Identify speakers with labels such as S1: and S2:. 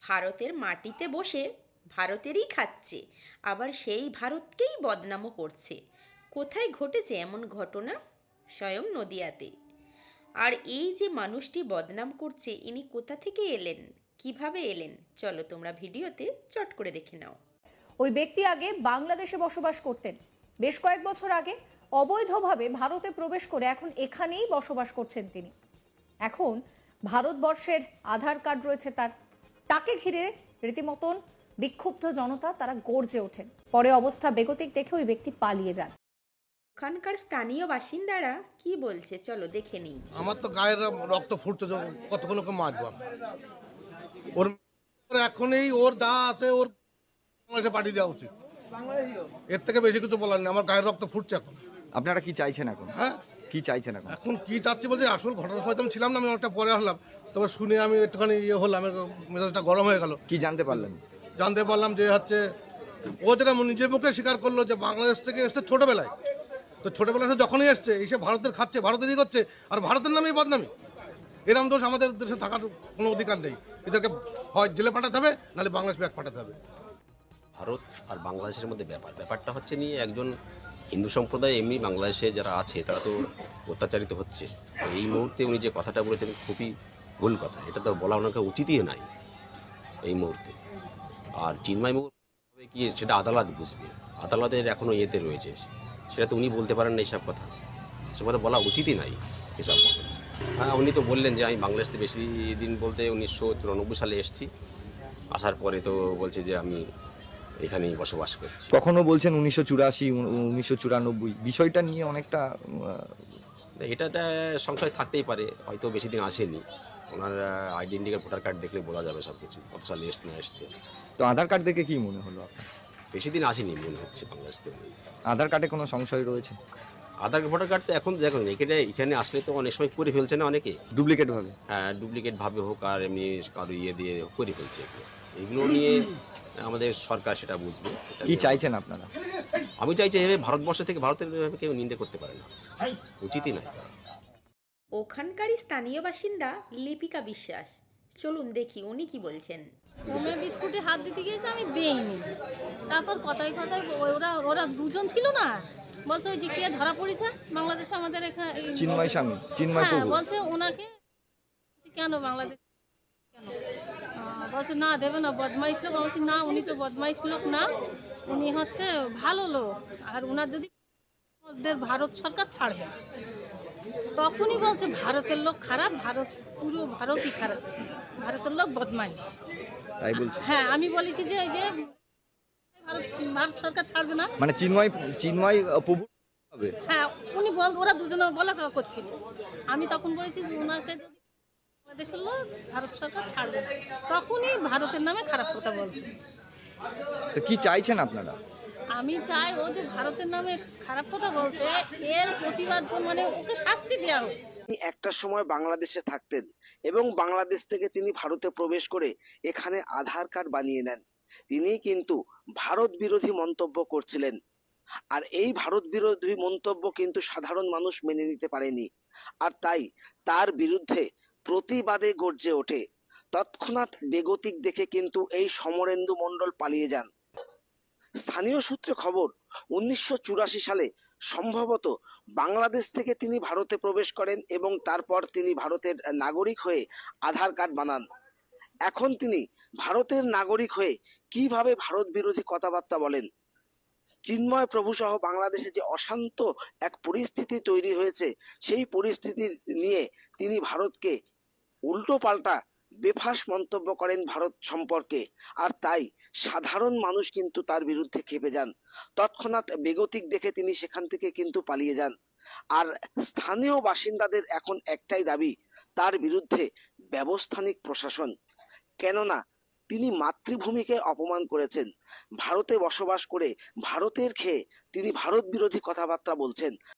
S1: ভারতের মাটিতে বসে ভারতেরই খাচ্ছে, আবার সেই ভারতকেই বদনামও করছে। কোথায় ঘটেছে এমন ঘটনা? স্বয়ং নদিয়াতে। আর এই যে মানুষটি বদনাম করছে, ইনি কোথা থেকে এলেন, কিভাবে এলেন, চলো তোমরা ভিডিওতে চট করে দেখে নাও।
S2: ওই ব্যক্তি আগে বাংলাদেশে বসবাস করতেন। বেশ কয়েক বছর আগে অবৈধভাবে ভারতে প্রবেশ করে এখন এখানেই বসবাস করছেন তিনি। এখন ভারতবর্ষের আধার কার্ড রয়েছে তার। তাকে ঘিরে রীতিমতন বিক্ষুব্ধ জনতা, তারা গর্জে ওঠেন। পরে অবস্থা বেগতিক দেখে ওই ব্যক্তি পালিয়ে যান।
S1: ওখানকার স্থানীয় বাসিন্দারা কি বলছে চলো দেখে নিই।
S3: আমার তো গায়ের রক্ত ফুটছে, কতক্ষণ ওকে মারবো আমি। ওর এখনই ওর যা আছে ওর বাংলাদেশে পাঠিয়ে দেওয়া উচিত। এর থেকে বেশি কিছু বলার নেই, আমার গায়ের রক্ত ফুটছে এখন।
S4: আপনারা কি চাইছেন এখন?
S3: হ্যাঁ,
S4: কি চাইছেন এখন?
S3: এখন কি চাচ্ছি বলছি, আসল ঘটনা হয়তো আমি ছিলাম না, আমি অনেকটা পরে আসলাম। তবে শুনে আমি একটুখানি ইয়ে হলাম, আমার মেজাজটা গরম হয়ে গেল।
S4: কি জানতে পারলেন?
S3: জানতে পারলাম যে হচ্ছে ও যেটা নিজের মুখে স্বীকার করলো যে বাংলাদেশ থেকে এসছে ছোটবেলায়। তো ছোটবেলায় এসে যখনই এসছে এসে ভারতের খাচ্ছে, ভারতেরই করছে, আর ভারতের নামেই বদনামি। এরম দোষ আমাদের দেশে থাকার কোনো অধিকার নেই। এদেরকে হয় জেলে পাঠাতে হবে, নাহলে বাংলাদেশ ব্যাক পাঠাতে হবে।
S5: ভারত আর বাংলাদেশের মধ্যে ব্যাপারটা হচ্ছে নিয়ে একজন হিন্দু সম্প্রদায় এমনি বাংলাদেশে যারা আছে তারা তো অত্যাচারিত হচ্ছে। এই মুহূর্তে উনি যে কথাটা বলেছেন খুবই ভুল কথা, এটা তো বলা ওনাকে উচিতই নাই এই মুহূর্তে। আর চিন্ময় মুহূর্তে কি সেটা আদালত বুঝবে, আদালতের এখনও ইয়েতে রয়েছে, সেটা তো উনি বলতে পারেন না এইসব কথা, সে কথা বলা উচিতই নাই এসব কথা। হ্যাঁ, উনি তো বললেন যে আমি বাংলাদেশ থেকে বেশি দিন বলতে 1994 সালে এসেছি, আসার পরে তো বলছে যে আমি এখানেই বসবাস করছি।
S4: কখনো বলছেন 1984, 1994, বিষয়টা নিয়ে অনেকটা
S5: এটা সংশয় থাকতেই পারে, হয়তো বেশি দিন আসেনি। ওনার আইডেন্টি কার্ড, ভোটার কার্ড দেখলে বোঝা যাবে সব কিছু, কত সালে এসছে না এসছে।
S4: তো আধার কার্ড দেখে কি মনে হলো আপনার?
S5: বেশি দিন আসেনি মনে হচ্ছে বাংলাদেশ থেকে।
S4: আধার কার্ডে কোনো সংশয় রয়েছে?
S5: আধার ভোটার কার্ড তো এখন দেখুন এখানে আসলে তো অনেক সময় করে ফেলছে না অনেকে,
S4: ডুপ্লিকেট ভাবে।
S5: হ্যাঁ, ডুপ্লিকেট ভাবে হোক আর এমনি কারো ইয়ে দিয়ে করে ফেলছে। এগুলো নিয়ে আমাদের সরকার সেটা বুঝবে।
S4: কি চাইছেন আপনারা?
S5: আমি চাইছি এভাবে ভারতবর্ষ থেকে ভারতের কেউ নিন্দে করতে পারে না, উচিতই নয়।
S1: ওখানকারই স্থানীয় বাসিন্দা লিপিকা বিশ্বাস, চলুন দেখি উনি কি বলছেন।
S6: হোমে বিস্কুটে হাত দিতে গিয়েছে, আমি দেইনি। তারপর কথায় কথায় ওরা ওরা দুজন ছিল না, বলছে ওই যে কে ধরা পড়েছে বাংলাদেশে আমাদের এখানে,
S4: চিন্ময় স্বামী, চিন্ময়
S6: হ্যাঁ,
S4: প্রভু।
S6: বলছে ওনাকে কেন বাংলাদেশ কেন, বলছে না দেবে না, বদমাইশ লোক। বলছি না, উনি তো বদমাইশ লোক না, উনি হচ্ছে ভালো লোক, আর ওনার যদি ওদের ভারত সরকার ছাড়বে, তখনই বলছে ভারতের লোক খারাপ, ভারত পুরো ভারতই খারাপ, ভারতের লোক বদমাইশ।
S4: তাই বলছে?
S6: হ্যাঁ, আমি বলেছি যে এই যে ভারত সরকার ছাড়বে না।
S4: মানে চিন্ময় প্রভু হবে?
S6: হ্যাঁ, উনি ওরা দুজনে বলা করছিল। আমি তখন বলেছি যে ওনাকে যদি বাংলাদেশের লোক ভারত সরকার ছাড়বে না, তখনই ভারতের নামে খারাপ কথা বলছে।
S4: তো কি চাইছেন আপনারা?
S6: আমি চাই ও যে ভারতের নামে খারাপ কথা বলছে, এর প্রতিবাদ মানে ওকে শাস্তি দেওয়া হোক।
S7: তিনি একটা সময় বাংলাদেশে থাকতেন এবং বাংলাদেশ থেকে তিনি ভারতে প্রবেশ করে এখানে আধার কার্ড বানিয়ে নেন। তিনি কিন্তু ভারত বিরোধী মন্তব্য করছিলেন, আর এই ভারত বিরোধী মন্তব্য কিন্তু সাধারণ মানুষ মেনে নিতে পারেনি, আর তাই তার বিরুদ্ধে প্রতিবাদে গর্জে ওঠে। তৎক্ষণাৎ বেগতিক দেখে কিন্তু এই সমরেন্দু মণ্ডল পালিয়ে যান। স্থানীয় সূত্রে খবর, 1984 সালে সম্ভবত বাংলাদেশ থেকে তিনি ভারতে প্রবেশ করেন এবং তারপর তিনি ভারতের নাগরিক হয়ে আধার কার্ড বানান। এখন তিনি ভারতের নাগরিক হয়ে কিভাবে ভারত বিরোধী কথাবার্তা বলেন? চিন্ময় প্রভু সহ বাংলাদেশে যে অশান্ত এক পরিস্থিতি তৈরি হয়েছে, সেই পরিস্থিতি নিয়ে তিনি ভারতকে উল্টো পাল্টা বেফাঁস মন্তব্য করেন ভারত সম্পর্কে, আর তাই সাধারণ মানুষ কিন্তু তার বিরুদ্ধে ক্ষেপে যান। তৎক্ষণাৎ বেগতিক দেখে তিনি সেখান থেকে কিন্তু পালিয়ে যান। আর স্থানীয় বাসিন্দাদের এখন একটাই দাবি, তার বিরুদ্ধে ব্যবস্থা নিক প্রশাসন। কেননা তিনি মাতৃভূমিকে অপমান করেছেন, ভারতে বসবাস করে ভারতের খেয়ে তিনি ভারত বিরোধী কথাবার্তা বলছেন,